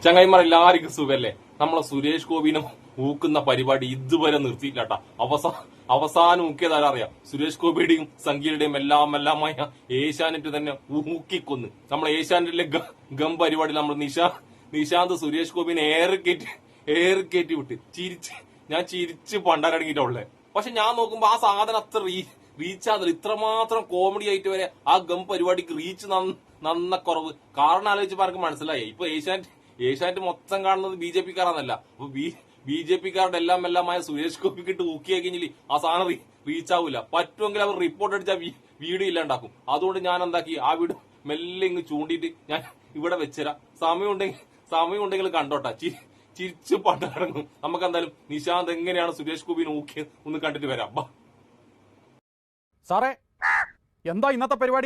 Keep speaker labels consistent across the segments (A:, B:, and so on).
A: ചങ്ങായിമാരെല്ലാവർക്കും സുഖല്ലേ? നമ്മളെ സുരേഷ് ഗോപിനെ ഊക്കുന്ന പരിപാടി ഇതുവരെ നിർത്തിയില്ലാട്ടാ. അവസാനം ഊക്കിയതാരറിയാം? സുരേഷ് ഗോപിയുടെയും സംഗീതയുടെയും എല്ലാമായ ഏഷ്യാനെറ്റ് തന്നെ ഊക്കിക്കൊന്ന്. നമ്മളെ ഏഷ്യാനെറ്റിലെ ഗം പരിപാടി നമ്മൾ നിശാന്ത് സുരേഷ് ഗോപിനെ ഏറി കയറ്റി വിട്ട് ഞാൻ ചിരിച്ച് പണ്ടാരടങ്ങിയിട്ടുള്ളേ. പക്ഷെ ഞാൻ നോക്കുമ്പോ ആ സാധനം അത്ര റീച്ച് ആകുന്നില്ല. ഇത്രമാത്രം കോമഡി ആയിട്ട് വരെ ആ ഗം പരിപാടിക്ക് റീച്ച് നന്ന കുറവ്. കാരണം ആലോചിച്ചപ്പോ ആർക്ക് മനസ്സിലായി. ഇപ്പൊ ഏഷ്യാനെറ്റ് മൊത്തം കാണുന്നത് BJP കാരാന്നല്ല. അപ്പൊ BJP കാരുടെ എല്ലാമായ സുരേഷ് ഗോപിക്ക് ഇട്ട് ഊക്കിയായി കഴിഞ്ഞാൽ ആ സാധനം റീച്ച് ആവില്ല. പറ്റുമെങ്കിൽ അവർ റിപ്പോർട്ട് അടിച്ചാൽ വീഡിയോ ഇല്ലാണ്ടാക്കും. അതുകൊണ്ട് ഞാൻ എന്താക്കി, ആ വീഡിയോ മെല്ലെ ഇങ്ങ് ചൂണ്ടിയിട്ട് ഞാൻ ഇവിടെ വെച്ചുതരാം. സമയമുണ്ടെങ്കിൽ കണ്ടോട്ടാ. ചിരിച്ചു പണ്ടടങ്ങും. നമുക്ക് എന്തായാലും നിശാന്ത് എങ്ങനെയാണ് സുരേഷ് ഗോപിനെ ഊക്കിയത് ഒന്ന് കണ്ടിട്ട് വരാം.
B: സാറേ, എന്താ ഇന്നത്തെ പരിപാടി?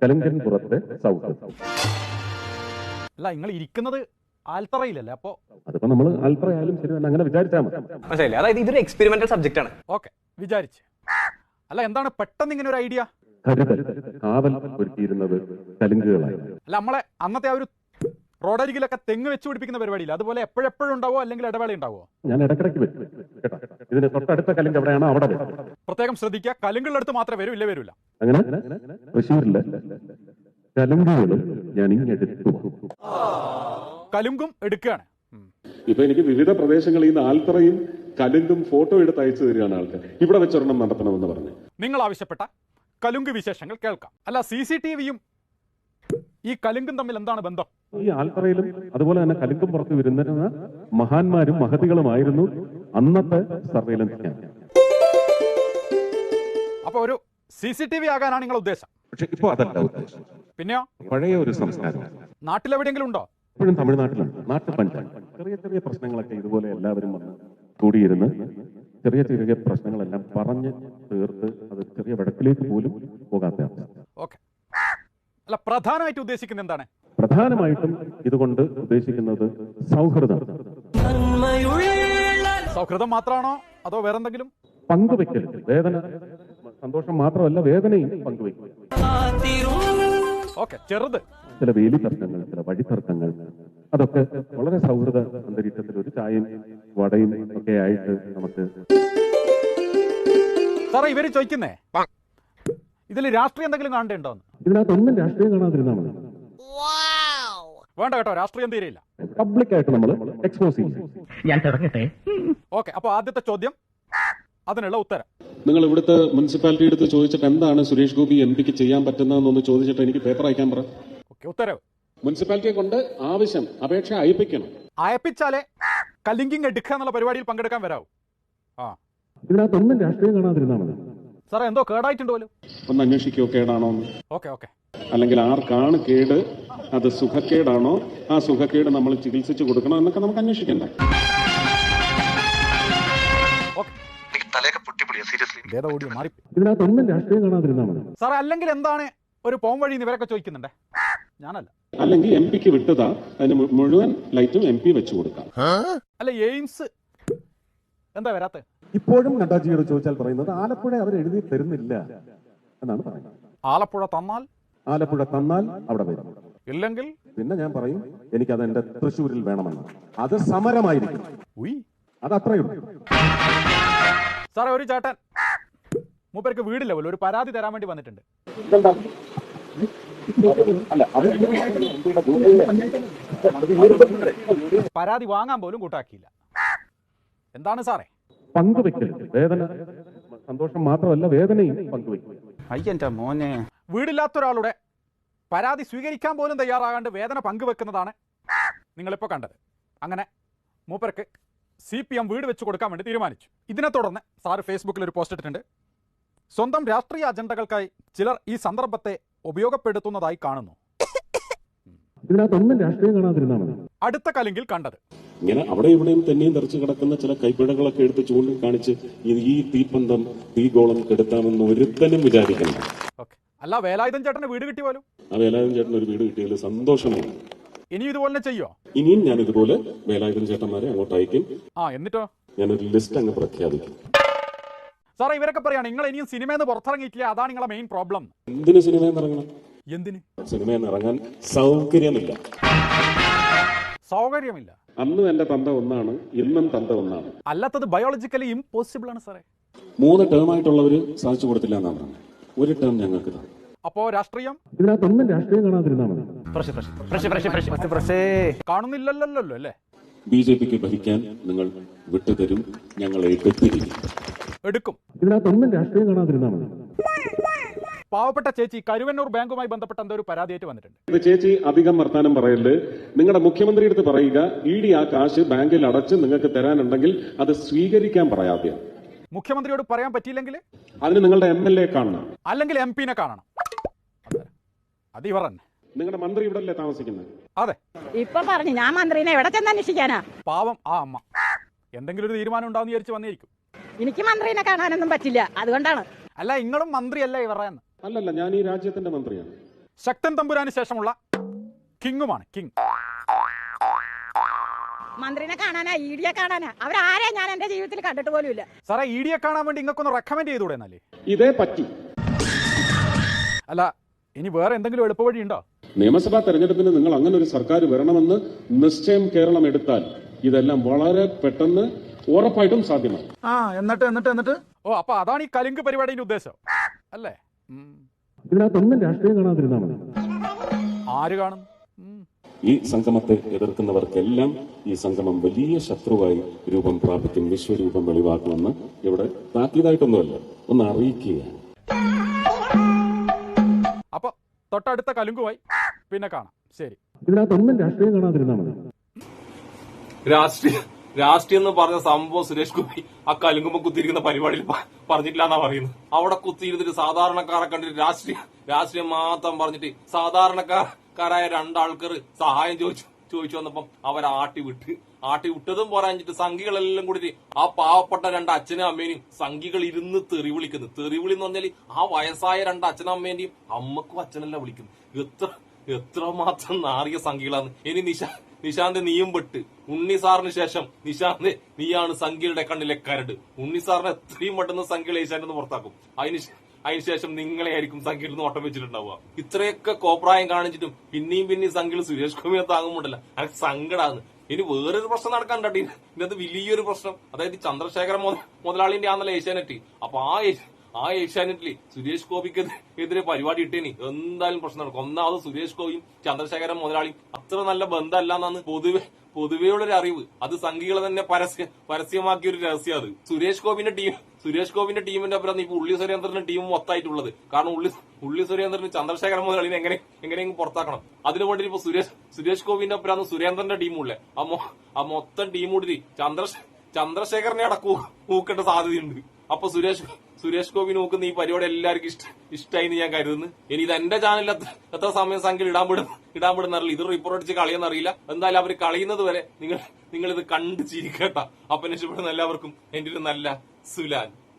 B: അല്ല, നിങ്ങൾ ഇരിക്കുന്നത് ആൽത്തറയിലല്ലേ? അപ്പോ
C: അതിപ്പോ നമ്മൾ ആൽത്തറയായാലും ശരി തന്നെ അങ്ങനെ വിചാരിച്ചാൽ മതി.
D: അതായത് ഇതൊരു എക്സ്പെരിമെന്റൽ സബ്ജക്ട് ആണ്.
B: ഓക്കെ, വിചാരിച്ച്. അല്ല, എന്താണ് പെട്ടെന്ന് ഇങ്ങനെ ഒരു ഐഡിയ?
C: കാവൽ ഒരുക്കിയിരുന്നത് കലുങ്കുകളായി.
B: അല്ല, നമ്മളെ അന്നത്തെ ആ ഒരു റോഡരികിലൊക്കെ തെങ്ങ് വെച്ച് പിടിപ്പിക്കുന്ന പരിപാടിയില്ല, അതുപോലെ എപ്പോഴെപ്പോഴും ഉണ്ടാവോ അല്ലെങ്കിൽ ഇടവേള ഉണ്ടാവോ?
C: ഞാൻ ഇടക്കിടയ്ക്ക് വരും കേട്ടോ. ഇതിന് തൊട്ടടുത്ത കലുങ്ക് എവിടെയാണോ അവിടെ വരും.
B: പ്രത്യേകം ശ്രദ്ധിക്കുക, കലുങ്കുകളുടെ അടുത്ത് മാത്രമേ വരൂ, ഇല്ല വരൂല.
C: അങ്ങനെ തൃശ്ശൂരിലെ കലുങ്കുകളും ഞാൻ ഇങ്ങെടുത്തു.
B: കലുങ്കും എടുക്കുകയാണ്.
C: ഇപ്പൊ എനിക്ക് വിവിധ പ്രദേശങ്ങളിൽ നിന്ന് ആൽത്തറയും കലുങ്കും ഫോട്ടോ എടുത്ത് അയച്ചു തരികയാണ് ആൾക്കാർ. ഇവിടെ വെച്ചൊരെണ്ണം നടത്തണമെന്ന് പറഞ്ഞു.
B: നിങ്ങൾ ആവശ്യപ്പെട്ട കലുങ്ക് വിശേഷങ്ങൾ കേൾക്കാം. അല്ല, CCTVയും ഈ കലുങ്കും തമ്മിൽ എന്താണ് ബന്ധം?
C: ഈ ആൽത്തറയിലും അതുപോലെ തന്നെ കലുങ്കും പുറത്ത് വരുന്നിരുന്ന മഹാന്മാരും മഹതികളുമായിരുന്നു അന്നത്തെ സർവൈലൻസ് ക്യാമ്പ്.
B: അപ്പൊ ഒരു CCTV ആകാനാണ് നിങ്ങളുടെ ഉദ്ദേശം?
C: പക്ഷെ ഇപ്പൊ അതല്ല ഉദ്ദേശം.
B: പിന്നെയോ?
C: പഴയ ഒരു സംസ്കാരം
B: നാട്ടിലെവിടെയെങ്കിലും ഉണ്ടോ?
C: ഇപ്പോഴും തമിഴ്നാട്ടിലുണ്ട്. നാട്ടുപഞ്ചായത്ത് ചെറിയ പ്രശ്നങ്ങളൊക്കെ ഇതുപോലെ എല്ലാവരും വന്ന് കൂടിയിരുന്ന് ചെറിയ പ്രശ്നങ്ങളെല്ലാം പറഞ്ഞ് തീർത്ത് അത് ചെറിയ വടക്കിലേക്ക് പോലും പോകാത്ത അവസ്ഥ.
B: ഓക്കെ. അല്ല, പ്രധാനമായിട്ട് ഉദ്ദേശിക്കുന്നത് എന്താണ്?
C: പ്രധാനമായിട്ടും ഇതുകൊണ്ട് ഉദ്ദേശിക്കുന്നത് സൗഹൃദം.
B: സൗഹൃദം മാത്രമാണോ അതോ വേറെന്തെങ്കിലും?
C: പങ്കുവെക്കൽ, വേദന, സന്തോഷം മാത്രമല്ല വേദനയും പങ്കുവെക്കും.
B: ഓക്കെ, ചെറുത്
C: ചില വേലി തർക്കങ്ങൾ, ചില വഴിത്തർക്കങ്ങൾ, അതൊക്കെ വളരെ സൗഹൃദ അന്തരീക്ഷത്തിൽ ഒരു ചായയും വടയും ഒക്കെ ആയിട്ട് നമുക്ക്.
B: സാറേ, ഇവര് ചോദിക്കുന്നേ ഇതിൽ രാഷ്ട്രീയം എന്തെങ്കിലും കാണണ്ടോന്ന്?
C: ഇതിനകത്തൊന്നും രാഷ്ട്രീയം കാണാതിരുന്നാൽ മതി.
B: വേണ്ട കേട്ടോ, രാഷ്ട്രീയം തീരെയില്ല.
C: പബ്ലിക്കായിട്ട് നമ്മൾ എക്സ്പോസ് ചെയ്യും.
D: ഞാൻ തുടങ്ങട്ടെ.
B: ഓക്കെ, അപ്പൊ ആദ്യത്തെ ചോദ്യം, അതിനുള്ള ഉത്തരം.
C: നിങ്ങൾ ഇവിടുത്തെ മുനിസിപ്പാലിറ്റി എടുത്ത് ചോദിച്ചിട്ട് എന്താണ് സുരേഷ് ഗോപി MPക്ക് ചെയ്യാൻ പറ്റുന്നതെന്നൊന്ന് ചോദിച്ചിട്ട് എനിക്ക് പേപ്പർ അയക്കാൻ പറ.
B: ഓക്കെ, ഉത്തരവ്.
C: മുനിസിപ്പാലിറ്റിയെ കൊണ്ട് അപേക്ഷ അയപ്പിക്കണം.
B: അയപ്പിച്ചാലേ കലിങ്കിങ് എടുക്കുക എന്നുള്ള പരിപാടിയിൽ പങ്കെടുക്കാൻ വരാവൂ.
C: ഇതിനകത്തൊന്നും രാഷ്ട്രീയം കാണാതിരുന്നാൽ മതി.
B: സാറേ, എന്തോ കേടായിട്ടുണ്ടോ?
C: ഒന്ന് അന്വേഷിക്കോ കേടാണോ?
B: ഓക്കെ.
C: അല്ലെങ്കിൽ ആർക്കാണ് കേട്, അത് സുഖക്കേടാണോ, ആ സുഖക്കേട് നമ്മൾ ചികിത്സിച്ചു കൊടുക്കണോ എന്നൊക്കെ നമുക്ക് അന്വേഷിക്കണ്ടേ? ഇതിനകത്തൊന്നും രാഷ്ട്രീയം കാണാതിരുന്നാൽ മതി.
B: സാറേ, അല്ലെങ്കിൽ എന്താണ് ഒരു പോം വഴി ഇവരൊക്കെ ചോദിക്കുന്നുണ്ട്? ഞാനല്ല.
C: അല്ലെങ്കിൽ MPക്ക് വിട്ടതാ, അതിന് മുഴുവൻ ലൈറ്റും MP വെച്ചു കൊടുക്കാം.
B: അല്ല, എയിംസ് എന്താ വരാത്ത?
C: ഇപ്പോഴും നഡ്ഡാജിയോട് ചോദിച്ചാൽ പറയുന്നത് ആലപ്പുഴ അവർ എഴുതി തരുന്നില്ല എന്നാണ് പറയുന്നത്.
B: ആലപ്പുഴ
C: തന്നാൽ അവിടെ വരും,
B: ഇല്ലെങ്കിൽ
C: പിന്നെ ഞാൻ പറയും എനിക്കത് എന്റെ തൃശ്ശൂരിൽ വേണമെന്ന്. അത് സമരമായിരിക്കും. അത് അത്രയുള്ളൂ.
B: സാറേ, ഒരു ചേട്ടൻ മൂപ്പർക്ക് വീടില്ല പോലും, ഒരു പരാതി തരാൻ വേണ്ടി വന്നിട്ടുണ്ട്. പരാതി വാങ്ങാൻ പോലും കൂട്ടാക്കിയില്ല. എന്താണ് സാറേ?
C: പങ്കുവെക്കൽ, വേദന, സന്തോഷം മാത്രമല്ല വേദനയും പങ്കുവെക്കും.
B: വീടില്ലാത്ത ഒരാളുടെ പരാതി സ്വീകരിക്കാൻ പോലും തയ്യാറാകാണ്ട് വേദന പങ്കുവെക്കുന്നതാണ് നിങ്ങളിപ്പോൾ കണ്ടത്. അങ്ങനെ മൂപ്പർക്ക് CPM വീട് വെച്ച് കൊടുക്കാൻ വേണ്ടി തീരുമാനിച്ചു. ഇതിനെ തുടർന്ന് സാറ് ഫേസ്ബുക്കിൽ ഒരു പോസ്റ്റ് ഇട്ടിട്ടുണ്ട്. സ്വന്തം രാഷ്ട്രീയ അജണ്ടകൾക്കായി ചിലർ ഈ സന്ദർഭത്തെ ഉപയോഗപ്പെടുത്തുന്നതായി കാണുന്നു.
C: ഇതിനകത്തൊന്നും രാഷ്ട്രീയം കാണാതിരുന്നാൽ മതി.
B: അടുത്ത കലിങ്കിൽ കണ്ടത്
C: ഇങ്ങനെ അവിടെ ഇവിടെയും തന്നെയും തെറിച്ചു കിടക്കുന്ന ചില കൈപ്പിഴകളൊക്കെ എടുത്ത് ചൂണ്ടിക്കാണിച്ച് ഈ തീപ്പന്തം തീഗോളം കെടുത്താമെന്ന് ഒരുത്തനും വിചാരിക്കണം.
B: ഓക്കെ. അല്ല, വേലായുധൻ ചേട്ടന് വീട് കിട്ടി പോലും.
C: ആ വേലായുധൻ ചേട്ടൻ ഒരു വീട് കിട്ടിയതിൽ സന്തോഷമാണ്.
B: ഇനി ഇതുപോലെ ചെയ്യോ?
C: ഇനിയും ഞാൻ ഇതുപോലെ വേലായുധൻ ചേട്ടന്മാരെ അങ്ങോട്ട് അയക്കും.
B: എന്നിട്ടോ
C: ഞാനൊരു ലിസ്റ്റ് അങ്ങ് പ്രഖ്യാപിക്കും.
B: സാറേ, ഇവരൊക്കെ പറയാണ് നിങ്ങൾ ഇനിയും സിനിമയെന്ന് പുറത്തിറങ്ങിയിട്ടില്ല, അതാണ് നിങ്ങളെ മെയിൻ പ്രോബ്ലം.
C: എന്തിന് സിനിമയെന്ന് ഇറങ്ങണം?
B: എന്തിന്?
C: സിനിമയെന്ന് ഇറങ്ങാൻ സൗകര്യമില്ല.
B: സൗകര്യമില്ല.
C: അന്നും എന്റെ തന്ത ഒന്നാണ്, ഇന്നും തന്ത ഒന്നാണ്.
B: അല്ലാത്തത് ബയോളജിക്കലി ഇമ്പോസിബിൾ ആണ് സാറേ.
C: 3 ടേമായിട്ടുള്ളവര് സാധിച്ചു കൊടുത്തില്ല എന്നാണ് പറഞ്ഞത്. 1 ടേം ഞങ്ങൾക്ക് തന്നു.
B: അപ്പോ രാഷ്ട്രീയം
C: ഇതിനകത്തൊന്നും രാഷ്ട്രീയം കാണാതിരുന്നാ മതി.
B: കാണുന്നില്ലല്ലോ അല്ലേ?
C: BJPക്ക് ഭരിക്കാൻ നിങ്ങൾ വിട്ടുതരും, ഞങ്ങൾ
B: എടുക്കും.
C: ഇതിനകത്തൊന്നും രാഷ്ട്രീയം കാണാതിരുന്നാ മതി.
B: പാവപ്പെട്ട ചേച്ചി കരുവന്നൂർ ബാങ്കുമായി ബന്ധപ്പെട്ട എന്തോ ഒരു പരാതിയായിട്ട് വന്നിട്ടുണ്ട്.
C: ഇത് ചേച്ചി അധികം വർത്താനം പറയല്. നിങ്ങളുടെ മുഖ്യമന്ത്രി അടുത്ത് പറയുക, ED ആ കാശ് ബാങ്കിൽ അടച്ച് നിങ്ങൾക്ക് തരാനുണ്ടെങ്കിൽ അത് സ്വീകരിക്കാൻ പറയാതെ.
B: മുഖ്യമന്ത്രിയോട് പറയാൻ പറ്റിയില്ലെങ്കിൽ
C: അതിന് നിങ്ങളുടെ MLA കാണണം,
B: അല്ലെങ്കിൽ MP-നെ കാണണം. അത് ഇവർ തന്നെ.
C: നിങ്ങളുടെ മന്ത്രി ഇവിടെ അല്ലേ താമസിക്കുന്നത്?
B: അതെ.
E: ഇപ്പൊ പറഞ്ഞു ഞാൻ മന്ത്രിനെ എവിടെ ചെന്ന് അന്വേഷിക്കാനാ?
B: പാവം ആ അമ്മ എന്തെങ്കിലും ഒരു തീരുമാനം ഉണ്ടാവും വിചാരിച്ച് വന്നിരിക്കും.
E: എനിക്ക് മന്ത്രിനെ കാണാനൊന്നും പറ്റില്ല, അതുകൊണ്ടാണ്.
B: അല്ല, നിങ്ങളും മന്ത്രിയല്ല ഇവരെന്ന്.
C: അല്ലല്ല, ഞാൻ ഈ രാജ്യത്തിന്റെ മന്ത്രിയാണ്.
B: ശക്തൻ തമ്പുരാന് ശേഷമുള്ള കിങ്ങുമാണ്. കിങ്
E: മന്ത്രിനെ കാണാനാ, ED കാണാനാ? അവരാരെ ഞാൻ എന്റെ ജീവിതത്തിൽ കണ്ടിട്ട് പോലും ഇല്ല.
B: സാറേ, ED കാണാൻ വേണ്ടി ഇങ്ങക്കൊന്ന് റെക്കമെൻഡ് ചെയ്തൂടെ എന്നാലേ?
C: ഇതേ പറ്റി.
B: അല്ല, ഇനി വേറെ എന്തെങ്കിലും എളുപ്പവഴി ഉണ്ടോ?
C: നിയമസഭാ തെരഞ്ഞെടുപ്പിന് നിങ്ങൾ അങ്ങനെ ഒരു സർക്കാർ വരണമെന്ന് നിശ്ചയം കേരളം എടുത്താൽ ഇതെല്ലാം വളരെ പെട്ടെന്ന് ഉറപ്പായിട്ടും സാധ്യമാണ്.
B: എന്നിട്ട് ഓ, അപ്പൊ അതാണ് ഈ കലുങ്ക് പരിപാടിയുടെ ഉദ്ദേശം അല്ലേ?
C: ഇതിനകത്തൊന്നും രാഷ്ട്രീയം കാണാതിരുന്നാ മതി.
B: ആര് കാണും?
C: ഈ സംഗമത്തെ എതിർക്കുന്നവർക്കെല്ലാം ഈ സംഗമം വലിയ ശത്രുവായി രൂപം പ്രാപിക്കും, വിശ്വരൂപം വെളിവാക്കുമെന്ന് ഇവിടെ താക്കീതായിട്ടൊന്നുമല്ല, ഒന്ന് അറിയിക്കുകയാണ്.
B: അപ്പൊ തൊട്ടടുത്ത കലുങ്കുമായി പിന്നെ കാണാം. ശരി.
C: ഇതിനകത്തൊന്നും രാഷ്ട്രീയം കാണാതിരുന്നാ മതി.
A: രാഷ്ട്രീയം എന്ന് പറഞ്ഞ സംഭവം സുരേഷ് ഗോപി ആ കലുങ്കുമ്പോ കുത്തിയിരിക്കുന്ന പരിപാടിയിൽ പറഞ്ഞിട്ടില്ല എന്നാ പറയുന്നത്. അവിടെ കുത്തിയിരുന്നിട്ട് സാധാരണക്കാരെ കണ്ടിട്ട് രാഷ്ട്രീയം മാത്രം പറഞ്ഞിട്ട് സാധാരണക്കാരായ 2 ആൾക്കാർ സഹായം ചോദിച്ചു വന്നപ്പം അവർ ആട്ടി വിട്ടതും പോരാഞ്ഞിട്ട് സംഘികളെല്ലാം കൂടി ആ പാവപ്പെട്ട 2 അച്ഛനും അമ്മേനെയും സംഘികൾ ഇരുന്ന് തെറി വിളിക്കുന്നു. തെറിവിളി എന്ന് പറഞ്ഞാൽ ആ വയസ്സായ 2 അച്ഛനും അമ്മേന്റെയും അമ്മക്കും അച്ഛനല്ല വിളിക്കുന്നു. എത്രമാത്രം നാറിയ സംഘികളാണ്. ഇനി നിശാന്ത് നീയും പെട്ട്. ഉണ്ണി സാറിന് ശേഷം നിശാന്ത് നീയാണ് സംഘികളുടെ കണ്ണിലെ കരട്. ഉണ്ണി സാറിന് എത്രയും പെട്ടെന്ന് സംഘികൾ ഏശാനെന്ന് പുറത്താക്കും. അതിനുശേഷം നിങ്ങളെ ആയിരിക്കും സംഘിയിൽ നിന്ന് ഓട്ടം വെച്ചിട്ടുണ്ടാവുക. ഇത്രയൊക്കെ കോപ്രായം കാണിച്ചിട്ടും പിന്നെയും സംഘികൾ സുരേഷ് ഗോപിയെ താങ്ങുമ്പോണ്ടല്ല, എനിക്ക് സങ്കടാണ്. ഇനി വേറൊരു പ്രശ്നം നടക്കാനുണ്ട്. ഇതിനകത്ത് വലിയൊരു പ്രശ്നം, അതായത് ചന്ദ്രശേഖര മുതലാളിന്റെ ആണല്ലോ ഏഷ്യാനെറ്റ്. അപ്പൊ ആ ഏഷ്യാനെറ്റില് സുരേഷ് ഗോപിക്ക് എതിരെ പരിപാടി ഇട്ടേനി എന്തായാലും പ്രശ്നം നടക്കും. ഒന്നാമത് സുരേഷ് ഗോപിയും ചന്ദ്രശേഖരൻ മുതലാളിയും അത്ര നല്ല ബന്ധമല്ല എന്നാണ് പൊതുവെയുള്ളൊരു അറിവ്. അത് സംഘികളെ തന്നെ പരസ്യമാക്കിയ ഒരു രഹസ്യം. അത് സുരേഷ് ഗോപിന്റെ ടീമിന്റെ അപ്പുറം ഇപ്പൊ ഉള്ളി സുരേന്ദ്രന്റെ ടീം മൊത്തമായിട്ടുള്ളത്. കാരണം ഉള്ളി സുരേന്ദ്രന് ചന്ദ്രശേഖരൻ മുതലാളിനെ എങ്ങനെയെങ്കിലും പുറത്താക്കണം. അതിനു വേണ്ടി ഇപ്പൊ സുരേഷ് ഗോപിന്റെ അപ്പുറം സുരേന്ദ്രന്റെ ടീമുള്ളേ. ആ മൊത്തം ടീം കൂടി ചന്ദ്രശേഖരനെ ഊക്കേണ്ട സാധ്യതയുണ്ട്. അപ്പൊ സുരേഷ് ഗോപി നോക്കുന്ന ഈ പരിപാടി എല്ലാവർക്കും ഇഷ്ടമായി എന്ന് ഞാൻ കരുതുന്നു. ഇനി ഇത് എന്റെ ചാനലിൽ എത്ര സമയം സംഖ്യ ഇടാൻ വിടുന്നറിയില്ല. ഇത് റിപ്പോർട്ട് അടിച്ച് കളിയെന്നറിയില്ല. എന്തായാലും അവർ കളിയുന്നത് വരെ നിങ്ങൾ ഇത് കണ്ടു ചിരിക്കട്ട. അപ്പൊ രക്ഷപ്പെടുന്ന എല്ലാവർക്കും എന്റെ ഒരു നല്ല സുലാൻ.